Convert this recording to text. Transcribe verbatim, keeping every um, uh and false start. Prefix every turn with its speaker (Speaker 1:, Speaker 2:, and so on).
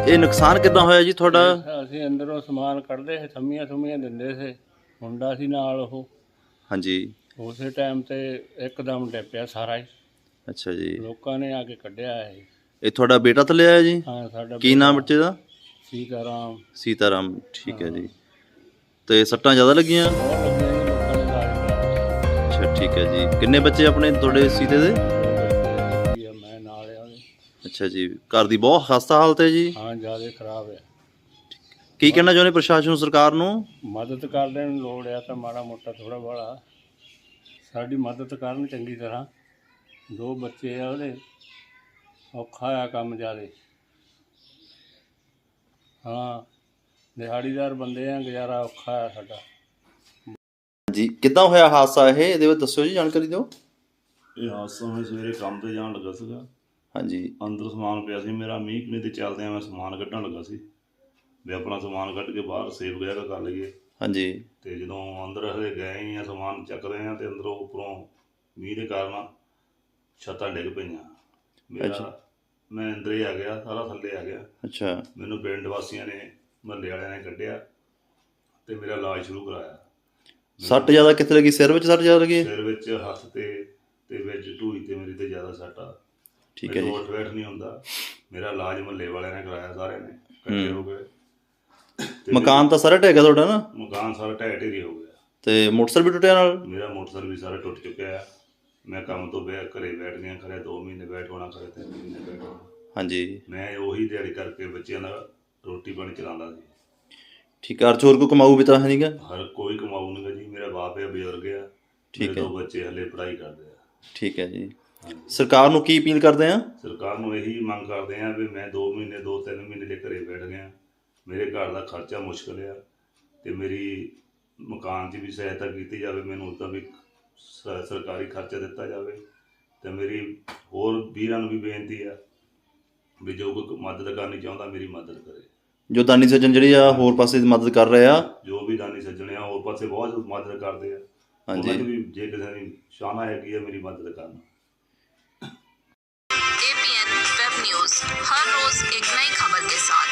Speaker 1: ਇਹ ਨੁਕਸਾਨ ਕਿੱਦਾਂ ਹੋਇਆ ਜੀ ਤੁਹਾਡਾ?
Speaker 2: ਅਸੀਂ ਅੰਦਰੋਂ ਸਮਾਨ ਕੱਢਦੇ ਸੀ, ਥੰਮੀਆਂ ਥੁੰਮੀਆਂ ਦਿੰਦੇ ਸੀ, ਮੁੰਡਾ ਸੀ ਨਾਲ ਉਹ।
Speaker 1: ਹਾਂਜੀ।
Speaker 2: ਉਸੇ ਟਾਈਮ ਤੇ ਇੱਕਦਮ ਡਿੱਪਿਆ ਸਾਰਾ ਹੀ।
Speaker 1: ਅੱਛਾ ਜੀ।
Speaker 2: ਲੋਕਾਂ ਨੇ ਆ ਕੇ ਕੱਢਿਆ ਇਹ।
Speaker 1: ਇਹ ਤੁਹਾਡਾ ਬੇਟਾ ਥੱਲੇ ਆਇਆ ਜੀ?
Speaker 2: ਹਾਂ, ਸਾਡਾ
Speaker 1: ਕੀ ਨਾਮ ਬੱਚੇ ਦਾ?
Speaker 2: ਸੀਤਾਰਾਮ।
Speaker 1: ਸੀਤਾਰਾਮ, ਠੀਕ ਹੈ ਜੀ। ਤੇ ਸੱਟਾਂ ਜ਼ਿਆਦਾ ਲੱਗੀਆਂ?
Speaker 2: ਬਹੁਤ ਲੱਗੀਆਂ ਜੀ, ਲੋਕਾਂ ਨੇ ਇਲਾਜ ਕਰਾਇਆ।
Speaker 1: ਅੱਛਾ ਠੀਕ ਹੈ ਜੀ। ਕਿੰਨੇ ਬੱਚੇ ਆਪਣੇ ਤੁਹਾਡੇ ਸੀਤੇ ਦੇ?
Speaker 2: ਮੈਂ ਨਾਲ ਆ ਉਹਦੇ।
Speaker 1: ਅੱਛਾ ਜੀ। ਘਰ ਦੀ ਬਹੁਤ ਖਸਤਾ ਹਾਲਤ ਹੈ ਜੀ?
Speaker 2: ਹਾਂ, ਜ਼ਿਆਦਾ ਖਰਾਬ ਹੈ।
Speaker 1: ਕੀ ਕਹਿਣਾ ਚਾਹੁੰਦੇ ਪ੍ਰਸ਼ਾਸਨ ਸਰਕਾਰ ਨੂੰ?
Speaker 2: ਮਦਦ ਕਰਨ ਨੂੰ ਲੋੜ ਆ ਤਾਂ ਮਾੜਾ ਮੋਟਾ ਥੋੜ੍ਹਾ ਬਾਹਲਾ ਸਾਡੀ ਮਦਦ ਕਰਨ ਚੰਗੀ ਤਰ੍ਹਾਂ। ਦੋ ਬੱਚੇ ਆ ਉਹਦੇ, ਔਖਾ ਆ ਕੰਮ ਜ਼ਿਆਦਾ। ਹਾਂ, ਦਿਹਾੜੀਦਾਰ ਬੰਦੇ ਆ, ਗੁਜ਼ਾਰਾ ਔਖਾ ਆ ਸਾਡਾ।
Speaker 1: ਜੀ ਕਿੱਦਾਂ ਹੋਇਆ ਹਾਦਸਾ ਇਹ? ਇਹਦੇ ਵਿੱਚ ਦੱਸਿਓ ਜੀ, ਜਾਣਕਾਰੀ ਦਿਓ।
Speaker 3: ਇਹ ਹਾਦਸਾ ਮੈਂ ਸਵੇਰੇ ਕੰਮ ਤੇ ਜਾਣ ਲੱਗਾ ਸੀਗਾ।
Speaker 1: ਹਾਂਜੀ।
Speaker 3: ਅੰਦਰ ਸਮਾਨ ਪਿਆ ਸੀ ਮੇਰਾ, ਮੀਂਹ ਕਣੀ ਤੇ ਚੱਲਦਿਆਂ ਮੈਂ ਸਮਾਨ ਕੱਢਣ ਲੱਗਾ ਸੀ ਵੀ ਆਪਣਾ ਸਮਾਨ ਕੱਢ ਕੇ ਬਾਹਰ ਸੇਫ ਵਗੈਰਾ ਕਰ ਲਈਏ।
Speaker 1: ਹਾਂਜੀ।
Speaker 3: ਤੇ ਜਦੋਂ ਅੰਦਰ ਹਲੇ ਗਏ ਹੀ ਆ, ਸਮਾਨ ਚੱਕਦੇ ਆ ਤੇ ਅੰਦਰੋਂ ਉੱਪਰੋਂ ਮੀਂਹ ਦੇ ਕਾਰਨ ਛੱਤਾਂ ਡਿੱਗ ਪਈਆਂ ਮੇਰਾ। ਮੈਂ ਅੰਦਰ ਹੀ ਆ ਗਿਆ, ਸਾਰਾ ਥੱਲੇ ਆ ਗਿਆ।
Speaker 1: ਅੱਛਾ।
Speaker 3: ਮੈਨੂੰ ਪਿੰਡ ਵਾਸੀਆਂ ਨੇ, ਮਹੱਲੇ ਵਾਲਿਆਂ ਨੇ ਕੱਢਿਆ ਤੇ ਮੇਰਾ ਇਲਾਜ ਸ਼ੁਰੂ ਕਰਾਇਆ।
Speaker 1: ਸੱਟ ਜ਼ਿਆਦਾ ਕਿੱਥੇ ਲੱਗੀ? ਸਿਰ ਵਿੱਚ ਸੱਟ ਜ਼ਿਆਦਾ ਲੱਗੀ?
Speaker 3: ਸਿਰ ਵਿੱਚ, ਹੱਥ ਤੇ ਤੇ ਵਿੱਚ ਢੂਈ ਤੇ ਮੇਰੀ ਤੇ ਜ਼ਿਆਦਾ ਸੱਟ ਆ।
Speaker 1: ਠੀਕ ਹੈ ਜੀ।
Speaker 3: ਉੱਠ ਬੈਠ ਨਹੀਂ ਹੁੰਦਾ। ਮੇਰਾ ਇਲਾਜ ਮਹੱਲੇ ਵਾਲਿਆਂ ਨੇ ਕਰਾਇਆ, ਸਾਰਿਆਂ ਨੇ ਇਕੱਠੇ ਹੋ ਗਏ।
Speaker 1: ਮਕਾਨ ਤਾਂ ਸਾਰਾ ਢਹਿ ਗਿਆ ਤੁਹਾਡਾ ਨਾ?
Speaker 3: ਮਕਾਨ ਸਾਰਾ ਢਹਿ ਢੇਰੀ ਹੋ ਗਿਆ।
Speaker 1: ਤੇ ਮੋਟਰਸਾਈਕਲ ਵੀ ਟੁੱਟਿਆ ਨਾਲ?
Speaker 3: ਮੇਰਾ ਮੋਟਰਸਾਈਕਲ ਵੀ ਸਾਰਾ ਟੁੱਟ ਚੁੱਕਿਆ। ਮੈਂ ਕੰਮ ਤੋਂ ਬੈ ਘਰੇ ਬੈਠ ਗਿਆ, ਖਰੇ ਦੋ ਮਹੀਨੇ ਬੈਠ ਹੋਣਾ, ਖਰੇ ਤਿੰਨ ਮਹੀਨੇ ਬੈਠ ਹੋਣਾ। ਹਾਂਜੀ। ਮੈਂ ਉਹੀ ਦਿਹਾੜੀ ਕਰਕੇ ਬੱਚਿਆਂ ਦਾ ਰੋਟੀ ਪਾਣੀ ਚਲਾਉਂਦਾ ਸੀ।
Speaker 1: ਠੀਕ ਹੈ। ਹੋਰ ਕੋਈ ਕਮਾਊ ਵੀ ਤਾਂ ਹੈ ਨਹੀਂਗਾ?
Speaker 3: ਹਰ ਕੋਈ ਕਮਾਊ ਨਹੀਂ ਗਾ ਜੀ। ਮੇਰਾ ਬਾਪ ਹੈ, ਬਜ਼ੁਰਗ ਆ।
Speaker 1: ਠੀਕ ਹੈ।
Speaker 3: ਦੋ ਬੱਚੇ ਹਲੇ ਪੜ੍ਹਾਈ ਕਰਦੇ ਆ।
Speaker 1: ਠੀਕ ਹੈ ਜੀ। ਸਰਕਾਰ ਨੂੰ ਕੀ ਅਪੀਲ ਕਰਦੇ ਆ?
Speaker 3: ਸਰਕਾਰ ਨੂੰ ਇਹੀ ਮੰਗ ਕਰਦੇ ਆ ਵੀ ਮੈਂ ਦੋ ਮਹੀਨੇ ਦੋ ਤਿੰਨ ਮਹੀਨੇ ਦੇ ਘਰੇ ਬੈਠ ਗਿਆ। ਮੇਰੇ ਘਰ ਦਾ ਖਰਚਾ ਮੁਸ਼ਕਿਲ ਆ ਤੇ ਮੇਰੀ ਮਕਾਨ 'ਚ ਵੀ ਸਹਾਇਤਾ ਕੀਤੀ ਜਾਵੇ। ਮੈਨੂੰ ਉਸਦਾ ਵੀ ਸ ਸਰਕਾਰੀ ਖਰਚਾ ਦਿੱਤਾ ਜਾਵੇ। ਤੇ ਮੇਰੀ ਹੋਰ ਵੀਰਾਂ ਨੂੰ ਵੀ ਬੇਨਤੀ ਆ ਵੀ ਜੋ ਕੋਈ ਮਦਦ ਕਰਨੀ ਚਾਹੁੰਦਾ ਮੇਰੀ ਮਦਦ ਕਰੇ।
Speaker 1: ਜੋ ਦਾਨੀ ਸੱਜਣ ਜਿਹੜੀ ਆ ਹੋਰ ਪਾਸੇ ਮਦਦ ਕਰ ਰਹੇ ਆ,
Speaker 3: ਜੋ ਵੀ ਦਾਨੀ ਸੱਜਣ ਆ ਹੋਰ ਪਾਸੇ ਬਹੁਤ ਮਦਦ ਕਰਦੇ ਆ।
Speaker 1: ਹਾਂਜੀ।
Speaker 3: ਉਹਨਾਂ ਦੀ ਵੀ ਜੇ ਕਿਸੇ ਦੀ ਸ਼ਾਨਾ ਹੈਗੀ ਆ ਮੇਰੀ ਮਦਦ ਕਰਨ।
Speaker 4: A P N web news हर रोज एक नई खबर के साथ।